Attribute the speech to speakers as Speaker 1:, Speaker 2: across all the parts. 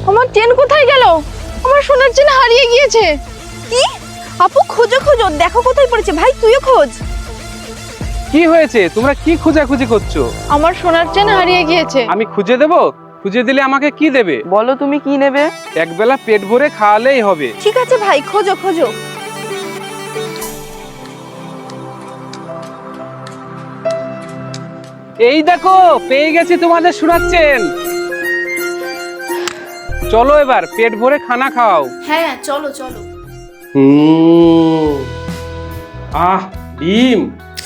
Speaker 1: আমার চেন কোথায় গেল? আমার সোনার চেন হারিয়ে গিয়েছে।
Speaker 2: কি? আপু খোঁজো খোঁজো, দেখো কোথায় পড়েছে। ভাই তুইও খোঁজ।
Speaker 3: কি হয়েছে? তোমরা কি খোঁজাখুঁজি করছো?
Speaker 1: আমার সোনার চেন হারিয়ে গিয়েছে।
Speaker 3: আমি খুঁজে দেবো? খুঁজে দিলে আমাকে কি দেবে?
Speaker 4: বলো তুমি কি নেবে?
Speaker 3: একবেলা পেট ভরে খাওয়ালেই হবে।
Speaker 2: ঠিক আছে ভাই, খোঁজো খোঁজো।
Speaker 3: এই দেখো, পেয়ে গেছি তোমাদের শোনাচ্ছেন। চলো এবার পেট ভরে খানা খাও।
Speaker 2: হ্যাঁ চলো চলো।
Speaker 3: আহ, ডিম।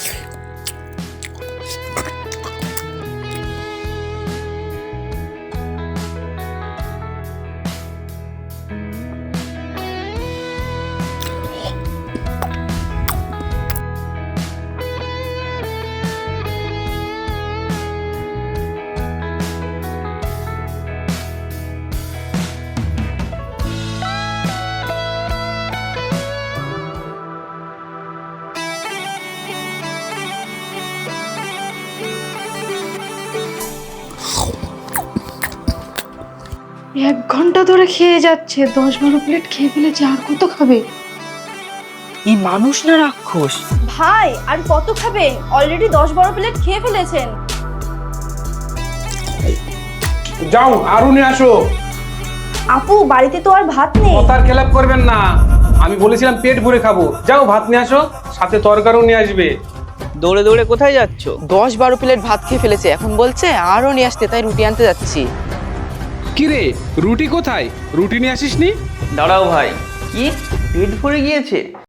Speaker 1: এক ঘন্টা ধরে খেয়ে যাচ্ছে, 10-12 প্লেট খেয়ে ফেলেছে, আর কত খাবে?
Speaker 4: এই মানুষ না রাক্ষস?
Speaker 2: ভাই আর কত খাবেন? অলরেডি 10-12 প্লেট খেয়ে ফেলেছেন।
Speaker 3: যাও আরো নিয়ে আসো।
Speaker 2: আপু বাড়িতে তো আর ভাত নেই।
Speaker 3: কথার খেলাপ করবেন না। আমি বলেছিলাম পেট ভরে খাবো। যাও ভাত নিয়ে আসো, সাথে তরকারিও নিয়ে আসবে।
Speaker 4: দৌড়ে দৌড়ে কোথায় যাচ্ছ? 10-12 প্লেট ভাত খেয়ে ফেলেছে, এখন বলছে আরো নিয়ে আসতে, তাই রুটি আনতে যাচ্ছি।
Speaker 3: কি রে, রুটি কোথায়? রুটি নিয়ে আসিসনি?
Speaker 5: দাঁড়াও ভাই, কি পেট ভরে গিয়েছে?